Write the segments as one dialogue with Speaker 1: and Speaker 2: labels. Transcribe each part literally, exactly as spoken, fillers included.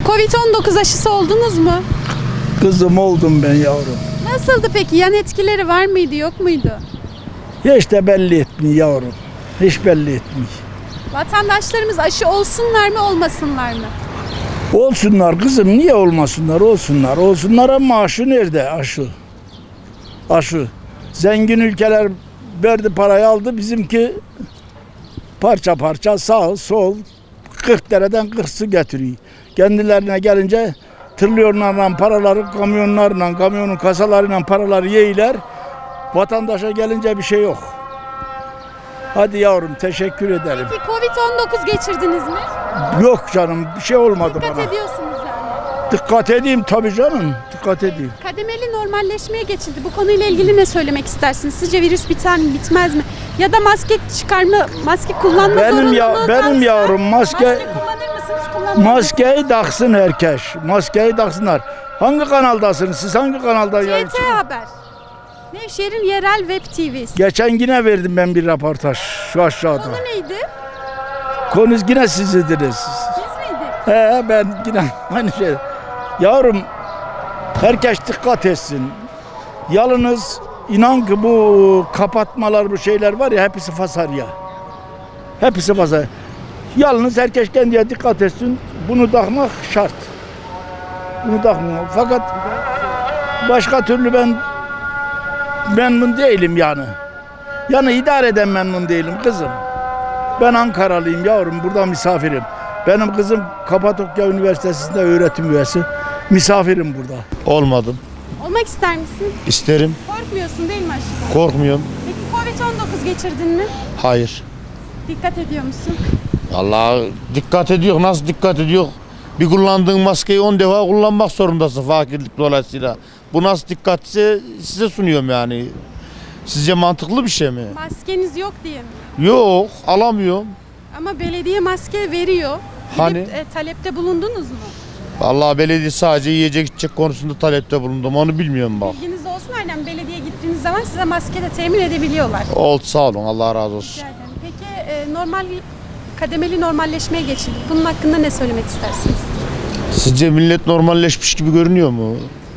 Speaker 1: Covid on dokuz aşısı oldunuz mu?
Speaker 2: Kızım oldum ben yavrum.
Speaker 1: Nasıldı peki? Yan etkileri var mıydı, yok muydu?
Speaker 2: Hiç de belli etmiyor yavrum. Hiç belli etmiyor.
Speaker 1: Vatandaşlarımız aşı olsunlar mı, olmasınlar mı?
Speaker 2: Olsunlar kızım, niye olmasınlar? Olsunlar. Olsunlar ama aşı nerede? Aşı. Aşı. Zengin ülkeler verdi parayı aldı. Bizimki parça parça sağ sol kırk dereden kırk su getiriyor. Kendilerine gelince trilyonlarla paraları kamyonlarla, kamyonun kasalarıyla paraları yeyler. Vatandaşa gelince bir şey yok. Hadi yavrum, teşekkür ederim.
Speaker 1: Peki Covid on dokuz geçirdiniz mi?
Speaker 2: Yok canım, bir şey olmadı
Speaker 1: Dikkat
Speaker 2: bana.
Speaker 1: ediyorsunuz yani.
Speaker 2: Dikkat edeyim tabii canım. Dikkat edeyim.
Speaker 1: Kademeli normalleşmeye geçildi. Bu konuyla ilgili ne söylemek istersiniz? Sizce virüs biter mi, bitmez mi? Ya da maske çıkarma, maske kullanma
Speaker 2: Benim
Speaker 1: zorunluluğu
Speaker 2: ya benim
Speaker 1: kalksa,
Speaker 2: yavrum maske
Speaker 1: maske kullanır mısınız, kullanmaz mısınız?
Speaker 2: maskeyi taksın herkes. Maskeyi taksınlar. Hangi kanaldasınız? Siz hangi kanalda
Speaker 1: C T
Speaker 2: yayıncısınız?
Speaker 1: Haber. Nevşehir'in yerel web T V'si.
Speaker 2: Geçen yine verdim ben bir röportaj şu aşağıda.
Speaker 1: Konu neydi?
Speaker 2: Konu yine sizidiniz.
Speaker 1: Biz miydik?
Speaker 2: He ben yine aynı şey. Yavrum herkes dikkat etsin. Yalnız inan ki bu kapatmalar bu şeyler var ya hepsi fasarya. Hepsi fasarya. Yalnız herkes kendine dikkat etsin. Bunu takmak şart. Bunu takmıyor. Fakat başka türlü ben memnun değilim yani. Yani idare eden memnun değilim kızım. Ben Ankaralıyım yavrum, burada misafirim. Benim kızım Kapadokya Üniversitesi'nde öğretim üyesi. Misafirim burada.
Speaker 3: Olmadım.
Speaker 1: Olmak ister misin?
Speaker 3: İsterim.
Speaker 1: Korkmuyorsun değil mi aşıdan?
Speaker 3: Korkmuyorum.
Speaker 1: Peki Covid on dokuz geçirdin mi?
Speaker 3: Hayır.
Speaker 1: Dikkat ediyor musun?
Speaker 3: Vallahi dikkat ediyor. Nasıl dikkat ediyor? Bir kullandığın maskeyi on defa kullanmak zorundasın fakirlik dolayısıyla. Bu nasıl dikkatse size sunuyorum yani. Sizce mantıklı bir şey mi?
Speaker 1: Maskeniz yok diye mi?
Speaker 3: Yok, alamıyorum.
Speaker 1: Ama belediye maske veriyor. Gidip,
Speaker 3: Hani?
Speaker 1: e, talepte bulundunuz mu?
Speaker 3: Vallahi belediye sadece yiyecek içecek konusunda talepte bulundum. Onu bilmiyorum bak.
Speaker 1: Bilginiz olsun, aynen belediyeye gittiğiniz zaman size maske de temin edebiliyorlar.
Speaker 3: Oldu, sağ olun. Allah razı olsun.
Speaker 1: Rica ederim. Peki e, normal kademeli normalleşmeye geçildik. Bunun hakkında ne söylemek istersiniz?
Speaker 3: Sizce millet normalleşmiş gibi görünüyor mu?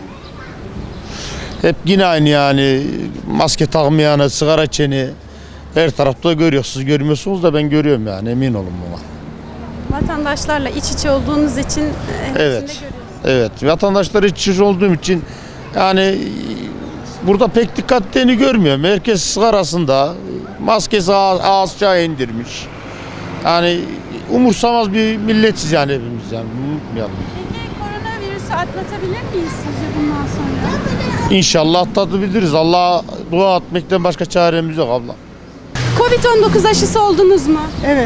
Speaker 3: Hep yine aynı yani. Maske takmayanı, sigara içeni her tarafta görüyorsunuz. Görmüyorsunuz da ben görüyorum yani, emin olun buna.
Speaker 1: Vatandaşlarla iç içe olduğunuz için e, hepsini de
Speaker 3: Evet.
Speaker 1: görüyorsunuz.
Speaker 3: Evet. Vatandaşlar iç içe olduğum için yani burada pek dikkatlerini görmüyorum. Herkes sigarasında, maskesi ağız, ağızca indirmiş. Yani umursamaz bir milletiz yani hepimiz yani. Unutmayalım.
Speaker 1: Peki koronavirüsü atlatabilir miyiz sizce bundan sonra?
Speaker 3: İnşallah atlatabiliriz. Allah'a dua etmekten başka çaremiz yok abla.
Speaker 1: Covid on dokuz aşısı oldunuz mu?
Speaker 4: Evet.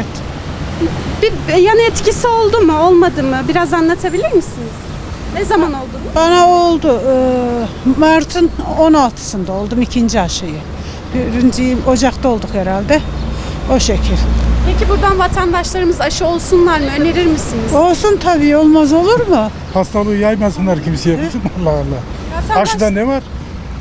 Speaker 1: Bir yan etkisi oldu mu, olmadı mı? Biraz anlatabilir misiniz? Ne zaman oldunuz?
Speaker 4: Bana oldu. Ee, Mart'ın on altısında oldum ikinci aşıyı. Birinciyi Ocak'ta olduk herhalde. O şekil.
Speaker 1: Peki buradan vatandaşlarımız aşı olsunlar mı? Önerir misiniz?
Speaker 4: Olsun tabii, olmaz olur mu?
Speaker 5: Hastalığı yaymasınlar kimseye kızım. Allah Allah.
Speaker 1: Vatandaş-
Speaker 5: Aşıda ne var?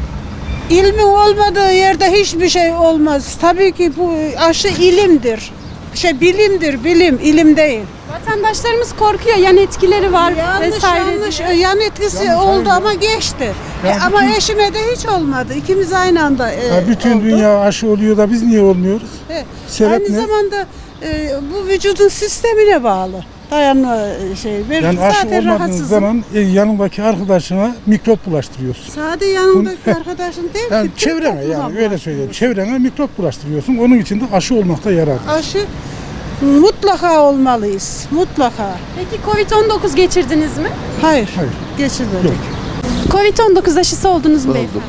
Speaker 4: İlmin olmadığı yerde hiçbir şey olmaz. Tabii ki bu aşı ilimdir. Şey bilimdir, bilim, ilim değil.
Speaker 1: Vatandaşlarımız korkuyor, yan etkileri var
Speaker 4: Yanlış
Speaker 1: vesaire
Speaker 4: yanlış
Speaker 1: diye.
Speaker 4: yan etkisi
Speaker 5: Yanlış,
Speaker 4: oldu
Speaker 5: hayır.
Speaker 4: ama geçti.
Speaker 5: Ya
Speaker 4: E, ama
Speaker 5: bütün-
Speaker 4: eşime de hiç olmadı. İkimiz aynı anda e,
Speaker 5: Ha, bütün
Speaker 4: oldu.
Speaker 5: dünya aşı oluyor da biz niye olmuyoruz?
Speaker 4: He.
Speaker 5: Sebep
Speaker 4: Aynı
Speaker 5: ne?
Speaker 4: zamanda e, bu vücudun sistemine bağlı. Dayanma şey. Ben
Speaker 5: Yani aşı
Speaker 4: zaten
Speaker 5: olmadığın
Speaker 4: rahatsızım.
Speaker 5: zaman e, yanındaki arkadaşına mikrop bulaştırıyorsun.
Speaker 4: Sadece yanımdaki arkadaşın değil
Speaker 5: Yani
Speaker 4: ki. tüm
Speaker 5: çevrene
Speaker 4: topluma
Speaker 5: yani öyle
Speaker 4: bulaştırıyor.
Speaker 5: söyleyeyim. Çevrene mikrop bulaştırıyorsun. Onun için de aşı olmakta yarar.
Speaker 4: Aşı mutlaka olmalıyız. Mutlaka.
Speaker 1: Peki Covid on dokuz geçirdiniz mi?
Speaker 4: Hayır.
Speaker 5: Hayır.
Speaker 4: Geçirmedik.
Speaker 5: Yok.
Speaker 1: Covid on dokuz aşısı oldunuz mu beyefendi?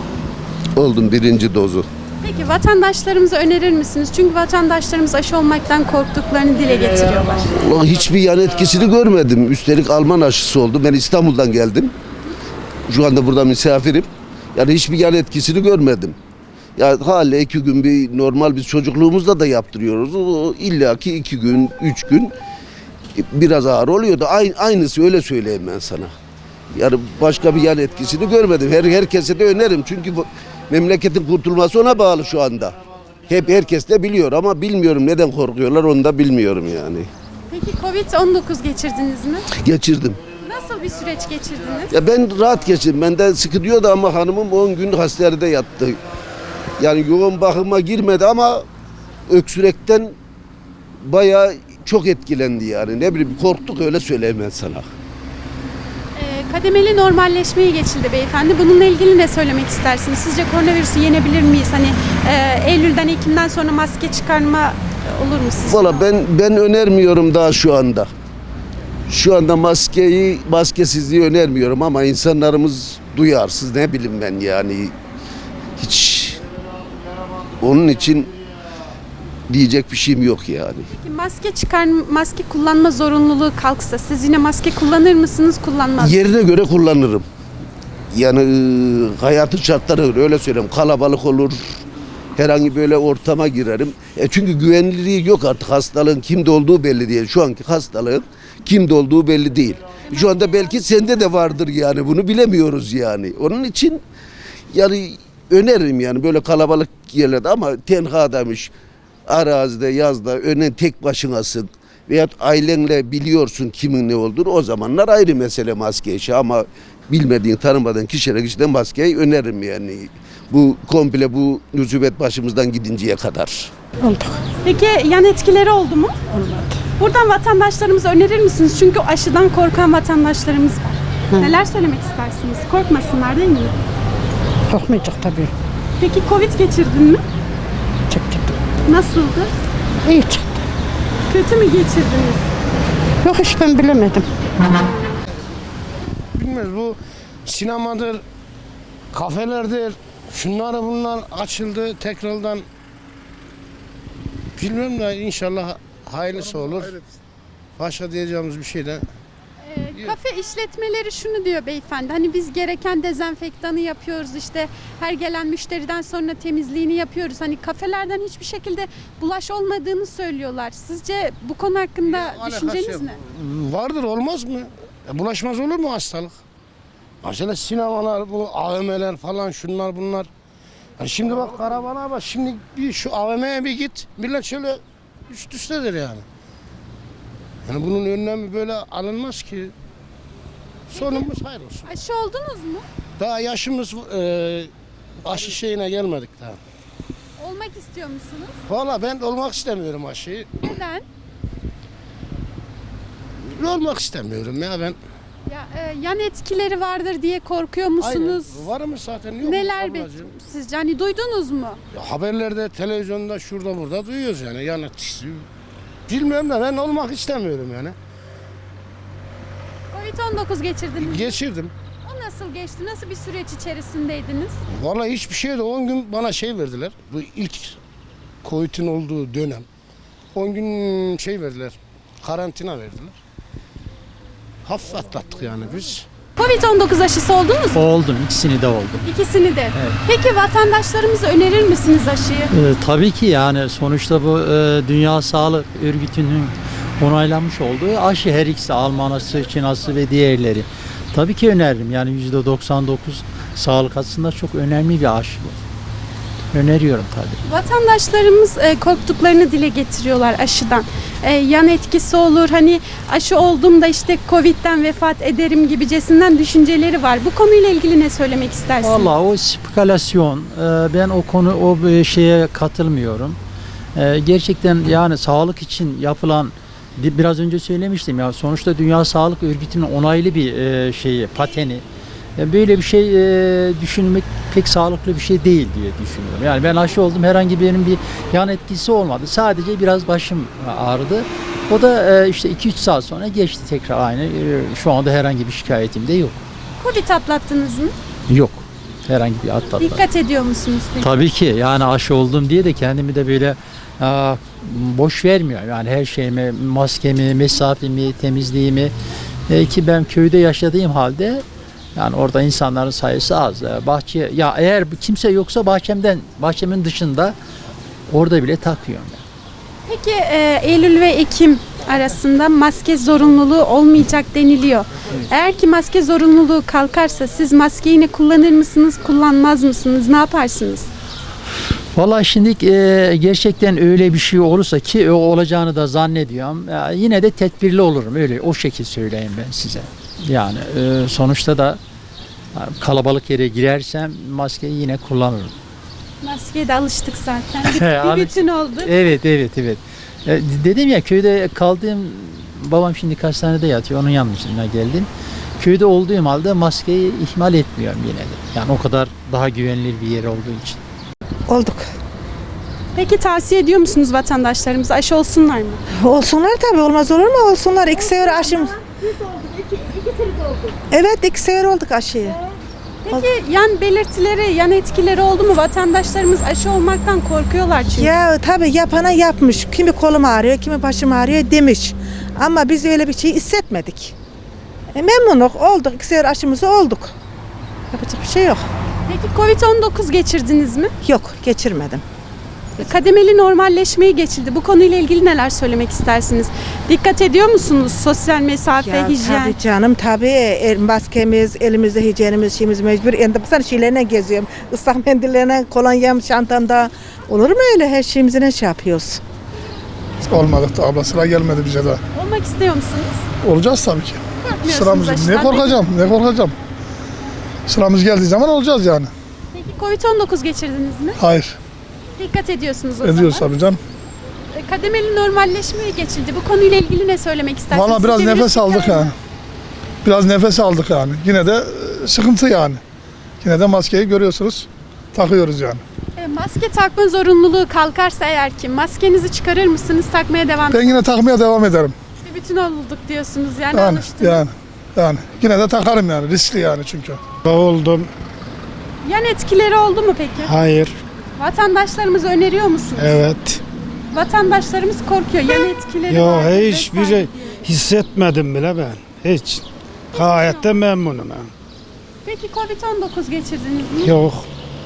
Speaker 6: Oldum birinci dozu.
Speaker 1: Peki vatandaşlarımıza önerir misiniz? Çünkü vatandaşlarımız aşı olmaktan korktuklarını dile getiriyorlar.
Speaker 6: Vallahi hiçbir yan etkisini görmedim. Üstelik Alman aşısı oldu. Ben İstanbul'dan geldim. Şu anda burada misafirim. Yani hiçbir yan etkisini görmedim. Ya hala iki gün bir normal biz çocukluğumuzda da yaptırıyoruz. O illaki iki gün, üç gün biraz ağır oluyor da aynı, aynısı öyle söyleyeyim ben sana. Yani başka bir yan etkisini görmedim. Her herkese de öneririm. Çünkü bu memleketin kurtulması ona bağlı şu anda. Hep herkes de biliyor ama bilmiyorum neden korkuyorlar onu da bilmiyorum yani.
Speaker 1: Peki Covid on dokuz geçirdiniz mi?
Speaker 6: Geçirdim.
Speaker 1: Nasıl bir süreç geçirdiniz?
Speaker 6: Ya ben rahat geçirdim. Benden sıkılıyordu ama hanımım on gün hastanede yattı. Yani yoğun bakıma girmedi ama öksürekten bayağı çok etkilendi yani. Ne bileyim korktuk öyle söyleyeyim ben sana.
Speaker 1: Ee, kademeli normalleşmeye geçildi beyefendi. Bununla ilgili ne söylemek istersiniz? Sizce koronavirüsü yenebilir miyiz? Hani e, Eylül'den Ekim'den sonra maske çıkarma olur mu sizce?
Speaker 6: Valla ben ben önermiyorum daha şu anda. Şu anda maskeyi, maskesizliği önermiyorum ama insanlarımız duyarsız ne bileyim ben yani. Hiç onun için diyecek bir şeyim yok yani.
Speaker 1: Peki maske çıkar, maske kullanma zorunluluğu kalksa siz yine maske kullanır mısınız, kullanmaz mısınız?
Speaker 6: Yerine göre kullanırım. Yani e, hayatın şartları göre öyle söyleyeyim. Kalabalık olur. Herhangi böyle ortama girerim. E çünkü güvenilirliği yok artık. Hastalığın kimde olduğu belli değil. Şu anki hastalığın kimde olduğu belli değil. Şu anda belki sende de vardır yani. Bunu bilemiyoruz yani. Onun için yani öneririm yani böyle kalabalık yerlerde ama tenhadamış. Arazide, yazda, öne tek başınasın. Veyahut ailenle biliyorsun kimin ne olduğunu, o zamanlar ayrı mesele maske işi ama bilmediğin, tanımadığın kişilere kişiden maskeyi öneririm yani. Bu komple bu nüzubet başımızdan gidinceye kadar.
Speaker 4: Olduk.
Speaker 1: Peki yan etkileri oldu mu?
Speaker 4: Olmadı.
Speaker 1: Buradan vatandaşlarımıza önerir misiniz? Çünkü aşıdan korkan vatandaşlarımız var. Neler söylemek istersiniz? Korkmasınlar değil mi?
Speaker 4: Korkmayacak tabii.
Speaker 1: Peki Covid geçirdin mi?
Speaker 4: Çektik.
Speaker 1: Nasıldı?
Speaker 4: İyi çıktı.
Speaker 1: Kötü mü geçirdiniz?
Speaker 4: Yok hiç ben bilemedim.
Speaker 7: Bilmiyoruz, bu sinemadır, kafelerdir, şunlar bunlar açıldı tekrardan. Bilmiyorum da inşallah hayırlısı olur. Başka diyeceğimiz bir şey de
Speaker 1: Ee, kafe işletmeleri şunu diyor beyefendi. Hani biz gereken dezenfektanı yapıyoruz, işte her gelen müşteriden sonra temizliğini yapıyoruz. Hani kafelerden hiçbir şekilde bulaş olmadığını söylüyorlar. Sizce bu konu hakkında
Speaker 7: alakası
Speaker 1: düşünceniz
Speaker 7: yok.
Speaker 1: ne?
Speaker 7: Vardır, olmaz mı? E, bulaşmaz olur mu hastalık? Mesela sinemalar, bu A V M'ler falan, şunlar bunlar. Yani şimdi bak karavana bak, şimdi bir şu A V M'ye bir git, millet şöyle üst üstedir yani. Yani bunun önlemi böyle alınmaz ki. Sonumuz hayır olsun.
Speaker 1: Aşı oldunuz mu?
Speaker 7: Daha yaşımız e, aşı şeyine gelmedik daha.
Speaker 1: Olmak istiyor musunuz?
Speaker 7: Valla ben olmak istemiyorum aşıyı.
Speaker 1: Neden?
Speaker 7: Olmak istemiyorum ya ben.
Speaker 1: Ya e, yan etkileri vardır diye korkuyor musunuz?
Speaker 7: Aynen. Var mı zaten? Yok mu
Speaker 1: Neler
Speaker 7: ablacığım?
Speaker 1: bekliyor sizce? Hani duydunuz mu?
Speaker 7: Ya haberlerde, televizyonda, şurada burada duyuyoruz yani. Yani bilmiyorum da ben olmak istemiyorum yani.
Speaker 1: Covid on dokuz geçirdiniz mi?
Speaker 7: Geçirdim.
Speaker 1: O nasıl geçti? Nasıl bir süreç içerisindeydiniz?
Speaker 7: Vallahi hiçbir şey de on gün bana şey verdiler. Bu ilk Covid'in olduğu dönem. on gün şey verdiler. Karantina verdiler. Hafif atlattık yani biz.
Speaker 1: Covid on dokuz aşısı oldunuz mu?
Speaker 8: Oldum, ikisini de oldum.
Speaker 1: İkisini de. Peki vatandaşlarımıza önerir misiniz aşıyı?
Speaker 8: Ee, tabii ki yani sonuçta bu e, Dünya Sağlık Örgütü'nün onaylanmış olduğu aşı, her ikisi Almanası, Çinası ve diğerleri. Tabii ki öneririm, yani yüzde doksan dokuz sağlık açısından çok önemli bir aşı bu. Öneriyorum tabii.
Speaker 1: Vatandaşlarımız e, korktuklarını dile getiriyorlar aşıdan. E, yan etkisi olur, hani aşı olduğumda işte Covid'den vefat ederim gibicesinden düşünceleri var. Bu konuyla ilgili ne söylemek istersiniz?
Speaker 8: Vallahi o spekülasyon, e, ben o konu o e, şeye katılmıyorum. E, gerçekten yani sağlık için yapılan, di- biraz önce söylemiştim ya, sonuçta Dünya Sağlık Örgütü'nün onaylı bir e, şeyi, pateni. E, böyle bir şey e, düşünmek pek sağlıklı bir şey değil diye düşünüyorum. Yani ben aşı oldum, herhangi birinin bir yan etkisi olmadı. Sadece biraz başım ağrıdı. O da e, işte iki üç saat sonra geçti tekrar aynı. E, şu anda herhangi bir şikayetim de yok.
Speaker 1: Covid atlattınız mı?
Speaker 8: Yok. Herhangi bir atlatmadım.
Speaker 1: Dikkat ediyor musunuz peki?
Speaker 8: Tabii ki yani aşı oldum diye de kendimi de böyle aa, boş vermiyorum. Yani her şeyimi, maskemi, mesafemi, temizliğimi e, ki ben köyde yaşadığım halde yani orada insanların sayısı az. E, bahçe ya eğer kimse yoksa bahçemden, bahçemin dışında orada bile takıyorum. Yani.
Speaker 1: Peki e, Eylül ve Ekim arasında maske zorunluluğu olmayacak deniliyor. Eğer ki maske zorunluluğu kalkarsa siz maskeyi yine kullanır mısınız, kullanmaz mısınız? Ne yaparsınız?
Speaker 8: Vallahi şimdi e, gerçekten öyle bir şey olursa ki o olacağını da zannediyorum. Ya, yine de tedbirli olurum, öyle o şekilde söyleyeyim ben size. Yani e, sonuçta da e, kalabalık yere girersem maskeyi yine kullanırım.
Speaker 1: Maskeye de alıştık zaten. Bir, bir
Speaker 8: Alıştık.
Speaker 1: bütün oldu.
Speaker 8: Evet, evet, evet. E, dedim ya köyde kaldığım, babam şimdi hastanede yatıyor, onun yanına geldim. Köyde olduğum halde maskeyi ihmal etmiyorum yine de. Yani o kadar daha güvenilir bir yer olduğu için.
Speaker 9: Olduk.
Speaker 1: Peki tavsiye ediyor musunuz vatandaşlarımıza aşı olsunlar mı?
Speaker 9: Olsunlar tabii, olmaz olur mu? Olsunlar. İki sefer aşım. Evet, iki sefer olduk aşıyı.
Speaker 1: Peki yan belirtileri, yan etkileri oldu mu? Vatandaşlarımız aşı olmaktan korkuyorlar çünkü.
Speaker 9: Ya tabii yapana yapmış. Kimi kolum ağrıyor, kimi başım ağrıyor demiş. Ama biz öyle bir şey hissetmedik. E, memnunuk olduk. İki sefer aşımızı olduk. Yapacak bir şey yok.
Speaker 1: Peki kovid on dokuz geçirdiniz mi?
Speaker 9: Yok, geçirmedim.
Speaker 1: Kademeli normalleşmeyi geçildi. Bu konuyla ilgili neler söylemek istersiniz? Dikkat ediyor musunuz? Sosyal mesafe,
Speaker 9: Ya,
Speaker 1: hijyen.
Speaker 9: tabii canım tabii. El, maskemiz, elimizde hijyenimiz, şeyimiz mecbur. Yanında baksana şeylerine geziyorum. Islak mendillerine, kolonyam çantamda. Olur mu öyle? Her şeyimizi ne şey yapıyoruz?
Speaker 5: Olmadık da abla, sıra gelmedi bize daha.
Speaker 1: Olmak istiyor musunuz?
Speaker 5: Olacağız tabii ki.
Speaker 1: Korkmuyorsunuz
Speaker 5: Sıramız ne
Speaker 1: aşıdan.
Speaker 5: korkacağım, ne korkacağım. Sıramız geldiği zaman olacağız yani.
Speaker 1: Peki kovid on dokuz geçirdiniz mi?
Speaker 5: Hayır,
Speaker 1: Dikkat ediyorsunuz o
Speaker 5: ediyoruz
Speaker 1: zaman.
Speaker 5: tabii canım.
Speaker 1: E, Kademeli normalleşmeye geçildi. Bu konuyla ilgili ne söylemek istersiniz?
Speaker 5: Valla biraz
Speaker 1: Sizce
Speaker 5: nefes
Speaker 1: virüs
Speaker 5: aldık
Speaker 1: çıkar mı?
Speaker 5: yani. Biraz nefes aldık yani. Yine de e, sıkıntı yani. Yine de maskeyi görüyorsunuz, takıyoruz yani.
Speaker 1: E, maske takma zorunluluğu kalkarsa eğer ki maskenizi çıkarır mısınız, takmaya devam
Speaker 5: Ben yine takmaya devam ederim.
Speaker 1: İşte bütün olduk diyorsunuz yani,
Speaker 5: Yani,
Speaker 1: alıştınız.
Speaker 5: yani, yani. Yine de takarım yani, riskli yani çünkü.
Speaker 10: Oldum.
Speaker 1: Yan etkileri oldu mu peki?
Speaker 10: Hayır.
Speaker 1: Vatandaşlarımıza öneriyor musunuz?
Speaker 10: Evet.
Speaker 1: Vatandaşlarımız korkuyor. Yan etkileri
Speaker 10: Yo
Speaker 1: var.
Speaker 10: hiçbir şey hissetmedim bile ben. Hiç. Gayet de memnunum ben.
Speaker 1: Peki kovid on dokuz geçirdiniz mi?
Speaker 10: Yok.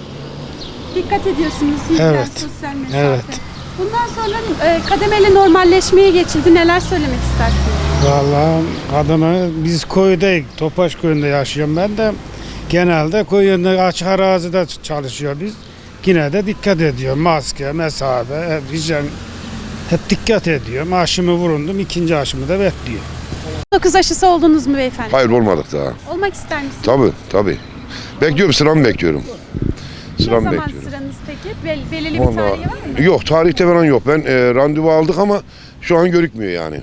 Speaker 1: Dikkat ediyorsunuz. Hijyen,
Speaker 10: Evet.
Speaker 1: sosyal mesafe.
Speaker 10: Evet.
Speaker 1: Bundan sonra e, kademeli normalleşmeye geçildi. Neler söylemek istersiniz?
Speaker 10: Vallahi kadını biz köydeyik. Topaş köyünde yaşıyorum ben de. Genelde köyünde açık arazide çalışıyor biz. Yine de dikkat ediyor. Maske, mesafe, hep hijyen. Hep dikkat ediyorum. Aşımı vurundum. İkinci aşımı da bekliyor.
Speaker 1: dokuz aşısı oldunuz mu beyefendi?
Speaker 11: Hayır olmadık daha.
Speaker 1: Olmak ister misiniz?
Speaker 11: Tabii tabii. Bekliyorum, sıramı bekliyorum.
Speaker 1: Ne
Speaker 11: Sıramı
Speaker 1: zaman
Speaker 11: bekliyorum.
Speaker 1: sıranız peki? Bel belirli bir
Speaker 11: Vallahi
Speaker 1: tarihi var mı?
Speaker 11: yok, tarihte falan yok. Ben e, randevu aldık ama şu an görükmüyor yani.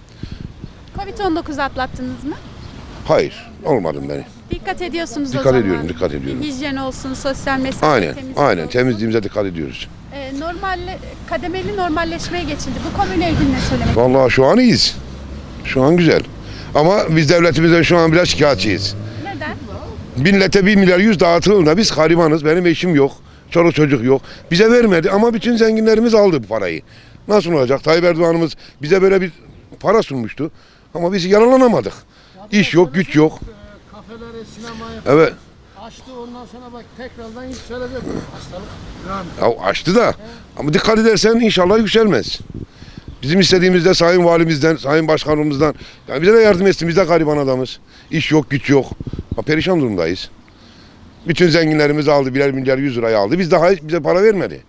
Speaker 1: kovid on dokuz atlattınız mı?
Speaker 11: Hayır, olmadım beni.
Speaker 1: Dikkat ediyorsunuz o
Speaker 11: Dikkat
Speaker 1: zaman.
Speaker 11: ediyorum, dikkat ediyorum.
Speaker 1: Hijyen olsun, sosyal mesafe,
Speaker 11: Aynen,
Speaker 1: temizlik
Speaker 11: aynen.
Speaker 1: olsun.
Speaker 11: Temizliğimize dikkat ediyoruz.
Speaker 1: Ee, normal, kademeli normalleşmeye geçildi. Bu konuyla ilgili ne söylemek?
Speaker 11: Vallahi şu an iyiyiz. Şu an güzel. Ama biz devletimizden şu an biraz şikayetçiyiz.
Speaker 1: Neden?
Speaker 11: Millete bir milyar yüz dağıtılığında biz garibanız. Benim eşim yok. Çoluk çocuk yok. Bize vermedi ama bütün zenginlerimiz aldı bu parayı. Nasıl olacak? Tayyip Erdoğan'ımız bize böyle bir para sunmuştu. Ama biz yararlanamadık. İş yok, güç yok.
Speaker 3: Kafelere, sinemaya
Speaker 11: Evet.
Speaker 3: açtı, ondan sonra bak tekrardan yükselecek hastalık.
Speaker 11: Ya açtı da ama dikkat edersen inşallah yükselmez. Bizim istediğimizde Sayın Valimizden, Sayın Başkanımızdan yani bize de yardım etsin. Biz de gariban adamız. İş yok, güç yok. Ha, perişan durumdayız. Bütün zenginlerimiz aldı. Birer milyar yüz lirayı aldı. Biz daha hiç bize para vermedi.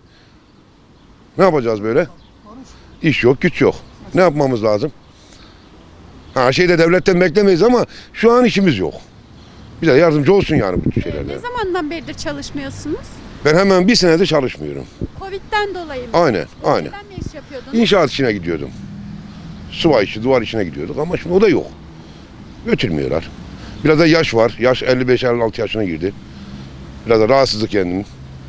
Speaker 11: Ne yapacağız böyle? İş yok, güç yok. Ne yapmamız lazım? Ha şeyde devletten beklemeyiz ama şu an işimiz yok. Bize yardımcı olsun yani bu şeylerde.
Speaker 1: Ne zamandan beridir çalışmıyorsunuz?
Speaker 11: Ben hemen bir senedir çalışmıyorum.
Speaker 1: Covid'den dolayı mı?
Speaker 11: Aynen, aynen.
Speaker 1: Covid'den ne iş yapıyordunuz?
Speaker 11: İnşaat işine gidiyordum. Subay işi, duvar işine gidiyorduk ama şimdi o da yok. Götürmüyorlar. Biraz da yaş var. Yaş elli beş elli altı yaşına girdi. Biraz da rahatsızlık kendim.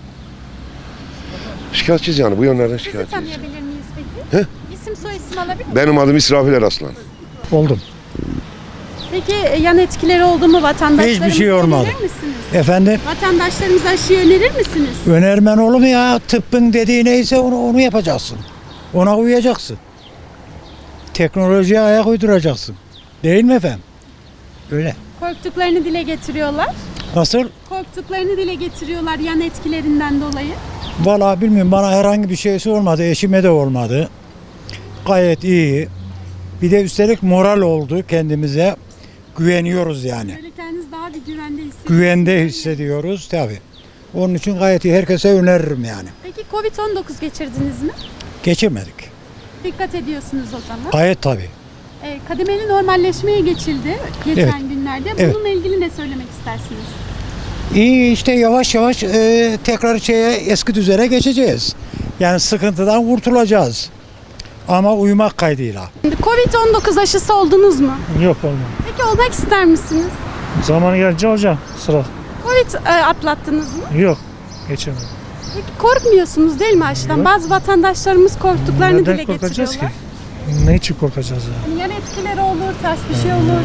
Speaker 11: Şikayetçiyiz yani bu yönlerden
Speaker 1: Sizi
Speaker 11: şikayetçiyiz.
Speaker 1: tanıyabilir miyiz peki?
Speaker 11: He?
Speaker 1: İsim soy isim alabilir miyim?
Speaker 11: Benim adım İsrafil Eraslan.
Speaker 5: Oldum.
Speaker 1: Peki e, yan etkileri oldu mu vatandaşlarımıza?
Speaker 5: Hiçbir şey olmadı.
Speaker 1: Önerir misiniz?
Speaker 5: Efendim,
Speaker 1: Vatandaşlarımıza aşıyı önerir misiniz?
Speaker 5: önermen olur mu ya? Tıbbın dediği neyse onu, onu yapacaksın. Ona uyacaksın. Teknolojiye ayak uyduracaksın. Değil mi efendim? Öyle.
Speaker 1: Korktuklarını dile getiriyorlar.
Speaker 5: Nasıl?
Speaker 1: Korktuklarını dile getiriyorlar yan etkilerinden dolayı.
Speaker 5: Vallahi bilmiyorum, bana herhangi bir şeysi olmadı. Eşime de olmadı. Gayet iyi. Bir de üstelik moral oldu kendimize. Güveniyoruz yani.
Speaker 1: Böyle kendiniz daha bir güvende hissediyorsunuz.
Speaker 5: Güvende hissediyoruz tabii. Onun için gayet iyi. Herkese öneririm yani.
Speaker 1: Peki kovid on dokuz geçirdiniz mi?
Speaker 5: Geçirmedik.
Speaker 1: Dikkat ediyorsunuz o zaman.
Speaker 5: Gayet tabii.
Speaker 1: E, kademeli normalleşmeye geçildi geçen
Speaker 5: Evet.
Speaker 1: günlerde. günlerde.
Speaker 5: Evet.
Speaker 1: Bununla ilgili ne söylemek istersiniz?
Speaker 5: İyi işte yavaş yavaş e, tekrar şeye eski düzene geçeceğiz. Yani sıkıntıdan kurtulacağız. Ama uyumak kaydıyla.
Speaker 1: Şimdi kovid on dokuz aşısı oldunuz mu?
Speaker 10: Yok olmaz.
Speaker 1: Peki olmak ister misiniz?
Speaker 10: Zamanı gelince olacağım sıra.
Speaker 1: Covid e, atlattınız mı?
Speaker 10: Yok. Geçemem.
Speaker 1: Peki korkmuyorsunuz değil mi aşıdan?
Speaker 10: Yok.
Speaker 1: Bazı vatandaşlarımız korktuklarını
Speaker 10: Neden
Speaker 1: dile
Speaker 10: korkacağız ki?
Speaker 1: getiriyorlar.
Speaker 10: Ne için korkacağız ya?
Speaker 1: Hani yan etkileri olur, ters bir şey olur.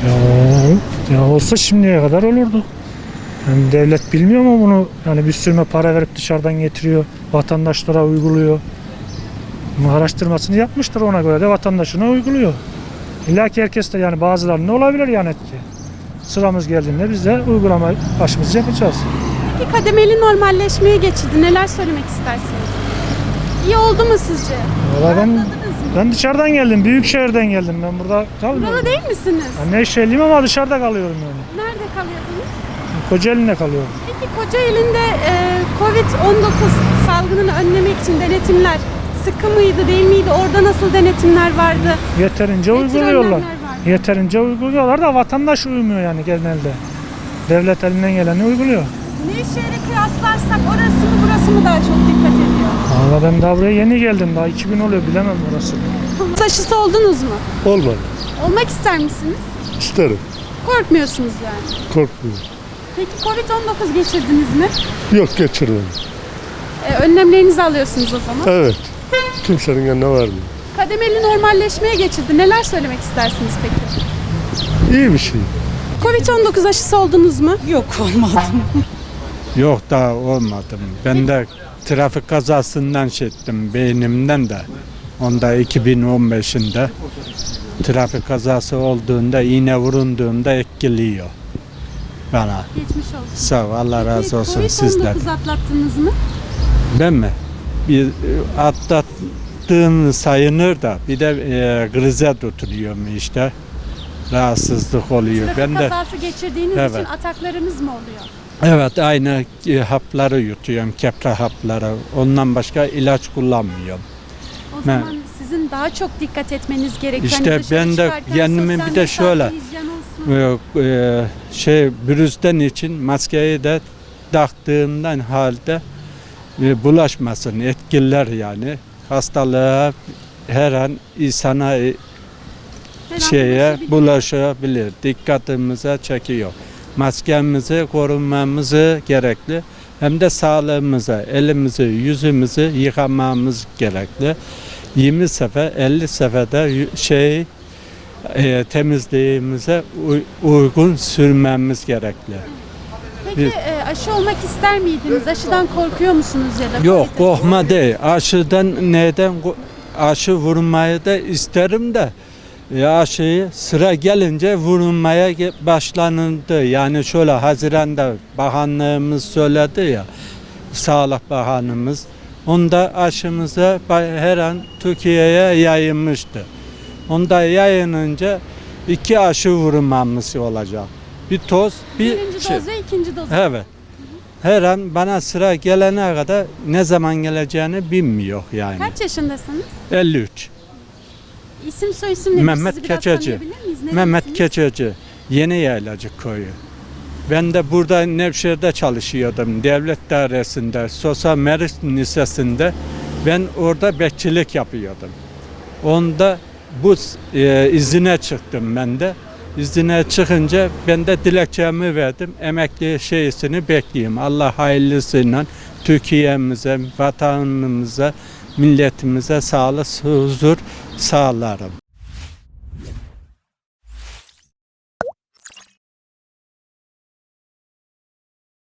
Speaker 10: Ya, ya olsa şimdiye kadar olurdu. Yani devlet bilmiyor mu bunu? Yani bir sürü para verip dışarıdan getiriyor, vatandaşlara uyguluyor. Bunun araştırmasını yapmıştır, ona göre de vatandaşına uyguluyor. İlla ki herkes de, yani bazılarında olabilir yani etki. Sıramız geldiğinde biz de uygulama aşımızı yapacağız.
Speaker 1: Peki kademeli normalleşmeye geçildi. Neler söylemek istersiniz? İyi oldu mu sizce?
Speaker 10: Valla ben,
Speaker 1: Rahatladınız mı?
Speaker 10: ben dışarıdan geldim, büyük şehirden geldim. Ben burada kalmıyorum.
Speaker 1: Buralı değil misiniz?
Speaker 10: Ben Nevşehirliyim ama dışarıda kalıyorum yani.
Speaker 1: Nerede kalıyordunuz?
Speaker 10: Kocaeli'nde kalıyorum.
Speaker 1: Peki Kocaeli'nde e, kovid on dokuz salgınını önlemek için denetimler sıkı mıydı değil miydi? Orada nasıl denetimler vardı?
Speaker 10: Yeterince
Speaker 1: Ne tür
Speaker 10: uyguluyorlar.
Speaker 1: önlemler vardı?
Speaker 10: Yeterince uyguluyorlar da vatandaş uymuyor yani genelde. Devlet elinden geleni uyguluyor.
Speaker 1: Nevşehir'e kıyaslarsak orası mı burası mı daha çok dikkat ediyor?
Speaker 10: Valla ben daha buraya yeni geldim, daha iki bin oluyor, bilemem orası.
Speaker 1: Aşısı oldunuz mu?
Speaker 2: Olmadı.
Speaker 1: Olmak ister misiniz?
Speaker 2: İsterim.
Speaker 1: Korkmuyorsunuz yani.
Speaker 2: Korkmuyorum.
Speaker 1: Peki kovid on dokuz geçirdiniz mi?
Speaker 2: Yok geçirmedim.
Speaker 1: E, önlemlerinizi alıyorsunuz o zaman.
Speaker 2: Evet. Kimsenin yanına varmıyor.
Speaker 1: Kademeli normalleşmeye geçildi. Neler söylemek istersiniz peki?
Speaker 2: İyi bir şey.
Speaker 1: kovid on dokuz aşısı oldunuz mu?
Speaker 4: Yok olmadım.
Speaker 12: Yok daha olmadım. Ben de trafik kazasından şey ettim beynimden de. Onda iki bin on beşinde trafik kazası olduğunda iğne vurunduğunda etkiliyor bana.
Speaker 1: Geçmiş olsun.
Speaker 12: Sağ ol, Allah razı olsun
Speaker 1: kovid on
Speaker 12: sizden.
Speaker 1: dokuz atlattınız mı?
Speaker 12: Ben mi? Bir atlattığım sayınır da bir de e, krize tutuluyorum işte. Rahatsızlık oluyor.
Speaker 1: Trafik
Speaker 12: Ben de
Speaker 1: kazası geçirdiğiniz
Speaker 12: Evet.
Speaker 1: için ataklarınız mı oluyor?
Speaker 12: evet aynı e, hapları yutuyorum, kepre hapları. Ondan başka ilaç kullanmıyorum.
Speaker 1: O
Speaker 12: Ben-
Speaker 1: zaman sizin daha çok dikkat etmeniz gerekiyor.
Speaker 12: İşte
Speaker 1: Hani dışarı
Speaker 12: ben de
Speaker 1: çıkarken
Speaker 12: kendimi
Speaker 1: sosyal
Speaker 12: bir de şöyle-
Speaker 1: mesafe, hijyen olsun.
Speaker 12: Ee, e, şey virüsten için maskeyi de taktığımdan halde e, bulaşmasın, etkiler yani hastalığa her an insana e,
Speaker 1: Her an
Speaker 12: şeye
Speaker 1: bulaşabilir.
Speaker 12: bulaşabilir. Dikkatimize çekiyor. Maskemizi korunmamızı gerekli. Hem de sağlığımıza, elimizi, yüzümüzü yıkamamız gerekli. yirmi sefer, elli seferde y- şey e, temizliğimize uy- uygun sürmemiz gerekli.
Speaker 1: Peki
Speaker 12: Bir-
Speaker 1: e, aşı olmak ister miydiniz? Aşıdan korkuyor musunuz ya da?
Speaker 12: Yok,
Speaker 1: Covid-
Speaker 12: korkma değil. Aşıdan neden ko- aşı vurmayı da isterim de e, aşıyı sıra gelince vurulmaya ge- başlanıldı. Yani şöyle Haziran'da bakanlığımız söyledi ya, Sağlık Bakanımız. Onda aşımızı ba- her an Türkiye'ye yayılmıştı. Onda yayınınca iki aşı vurulmamız olacak. Bir toz, bir
Speaker 1: Birinci
Speaker 12: şey.
Speaker 1: doz ve ikinci doz.
Speaker 12: Evet. Her an bana sıra gelene kadar ne zaman geleceğini bilmiyor yani.
Speaker 1: Kaç yaşındasınız?
Speaker 12: elli üç.
Speaker 1: İsim soy isim nedir?
Speaker 12: Mehmet
Speaker 1: Sizi biraz
Speaker 12: Keçeci.
Speaker 1: tanıyabilir miyiz?
Speaker 12: Mehmet
Speaker 1: Nerelisiniz?
Speaker 12: Keçeci. Yeni Yaylacı köyü. Ben de burada Nevşehir'de çalışıyordum. Devlet dairesinde, Sosyal Meris Lisesi'nde. Ben orada bekçilik yapıyordum. Onda bu e, izine çıktım ben de. İzine çıkınca ben de dilekçemi verdim. Emekli şeysini bekleyeyim. Allah hayırlısıyla Türkiye'mize, vatanımıza, milletimize sağlık, huzur sağlarım.